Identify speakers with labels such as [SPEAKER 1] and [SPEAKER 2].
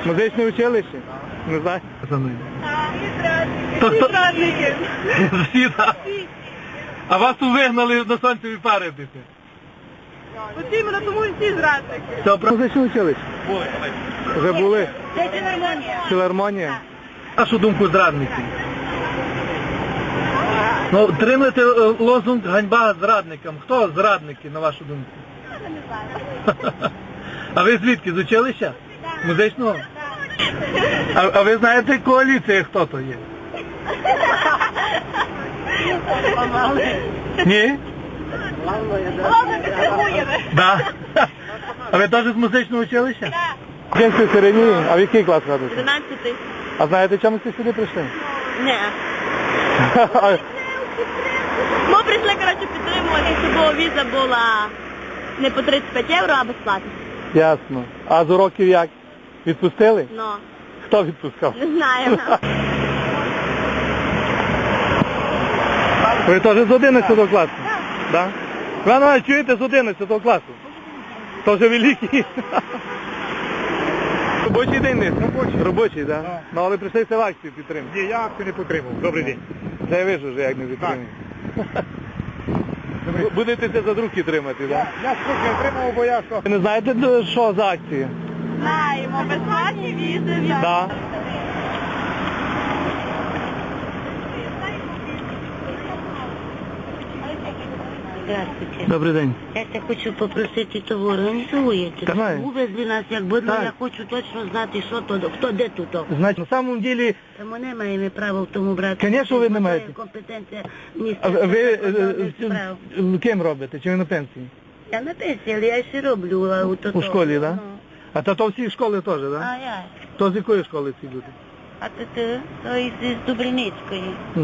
[SPEAKER 1] Музичне училище? Не знаю.
[SPEAKER 2] Всі зрадники. Всі, так? А вас тут вигнали на сонцеві пари бити?
[SPEAKER 3] От іменно тому і всі зрадники.
[SPEAKER 1] Це музичне училище?
[SPEAKER 2] Були.
[SPEAKER 1] Вже були?
[SPEAKER 3] Це філармонія.
[SPEAKER 1] Філармонія?
[SPEAKER 2] Вашу думку, зрадники? Ну, тримайте лозунг «Ганьба зрадникам». Хто зрадники, на вашу думку?
[SPEAKER 3] Я не знаю.
[SPEAKER 2] А ви звідки? З училища? Музичного? А ви знаєте коаліція, хто то є? Ні?
[SPEAKER 3] Головне, підтримуємо.
[SPEAKER 2] Да. А ви теж з музичного училища?
[SPEAKER 1] В кінці середній, а в який клас ходите?
[SPEAKER 3] 12-й.
[SPEAKER 1] А знаєте, чому ви сюди прийшли?
[SPEAKER 3] Ні. Ми прийшли, коротше, підтримувати, щоб віза була не по 35 євро, а безплатно.
[SPEAKER 1] Ясно. А з уроків як? Відпустили?
[SPEAKER 3] Ну,
[SPEAKER 1] Хто відпускав?
[SPEAKER 3] не знаю.
[SPEAKER 1] Ви теж з 11 класу? Так. Ви навіть чуєте з 11 класу? Теж великий. Робочий день десь? Робочий. Робочий, так? Да? Ну, але прийшлися в акцію підтримати.
[SPEAKER 4] Ні, я акцію не підтримав. Добрий день.
[SPEAKER 1] Це ви ж вже як не підтримуєте. Будете це за другі тримати, так?
[SPEAKER 4] Я скільки отримав, бо я що?
[SPEAKER 1] Ви не знаєте, що за акції?
[SPEAKER 3] Знаємо, безплатні візи.
[SPEAKER 1] Так.
[SPEAKER 5] Здравствуйте.
[SPEAKER 1] Добрий день.
[SPEAKER 5] Я це хочу попросити, то ви організуєте.
[SPEAKER 1] Давай.
[SPEAKER 5] Увезли нас, якби, ну
[SPEAKER 1] Так.
[SPEAKER 5] я хочу точно знати, що то, хто де тут.
[SPEAKER 1] Значить, на самом деле,
[SPEAKER 5] Та ми не маємо права в тому брати.
[SPEAKER 1] Конечно, ви не
[SPEAKER 5] Це
[SPEAKER 1] маєте.
[SPEAKER 5] компетенція
[SPEAKER 1] а
[SPEAKER 5] міністерства
[SPEAKER 1] ви
[SPEAKER 5] закордонних справ.
[SPEAKER 1] ким робите? Чи ви на пенсії?
[SPEAKER 5] Я на пенсії, але я ще роблю. А
[SPEAKER 1] У школі, так? Да?
[SPEAKER 5] Ну.
[SPEAKER 1] А то всі школи теж, так? Да?
[SPEAKER 5] А я.
[SPEAKER 1] То з якої школи ці люди?
[SPEAKER 5] А то із Дубриницької.